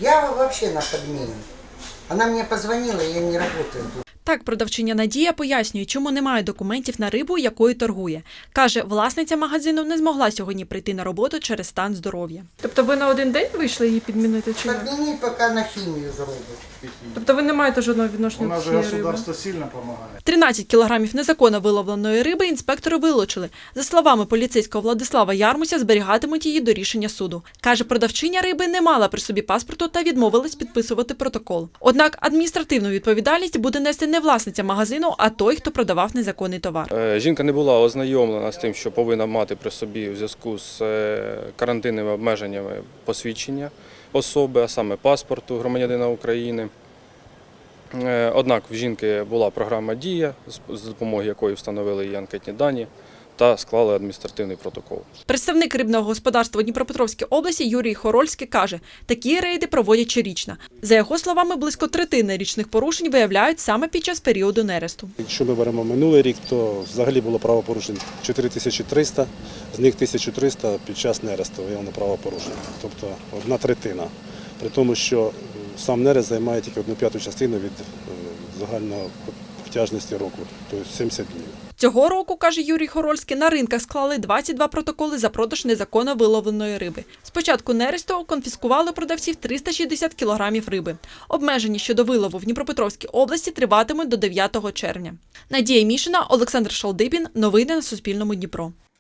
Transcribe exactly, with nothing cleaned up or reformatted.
Я вообще на подмене. Она мне позвонила, я не работаю. Так, продавчиня Надія пояснює, чому немає документів на рибу, якою торгує. Каже, власниця магазину не змогла сьогодні прийти на роботу через стан здоров'я. Тобто ви на один день вийшли її підмінити чи ні? Подмени пока на химию зробить. Тобто ви не маєте жодного У відношення нас до же цієї риби? государство сильно помогает. тринадцять кілограмів незаконно виловленої риби інспектори вилучили. За словами поліцейського Владислава Ярмуся, зберігатимуть її до рішення суду. Каже, продавчиня риби не мала при собі паспорту та відмовилась підписувати протокол. Однак адміністративну відповідальність буде нести не власниця магазину, а той, хто продавав незаконний товар. Е, Жінка не була ознайомлена з тим, що повинна мати при собі у зв'язку з е, карантинними обмеженнями посвідчення особи, а саме паспорту громадянина України. Е, Однак в жінки була програма «Дія», з- з допомогою якої встановили її анкетні дані та склали адміністративний протокол. Представник рибного господарства Дніпропетровської області Юрій Хорольський каже, такі рейди проводять щорічно. За його словами, близько третини річних порушень виявляють саме під час періоду нересту. Якщо ми беремо минулий рік, то взагалі було правопорушень чотири тисячі триста, з них тисяча триста під час нересту виявлено правопорушень, тобто одна третина. При тому, що сам нерест займає тільки одну п'яту частину від е, загальної обтяжності року, тобто сімдесят днів. Цього року, каже Юрій Хорольський, на ринках склали двадцять два протоколи за продаж незаконно виловленої риби. З початку нересту конфіскували продавців триста шістдесят кілограмів риби. Обмеження щодо вилову в Дніпропетровській області триватимуть до дев'ятого червня. Надія Мішина, Олександр Шалдибін. Новини на Суспільному. Дніпро.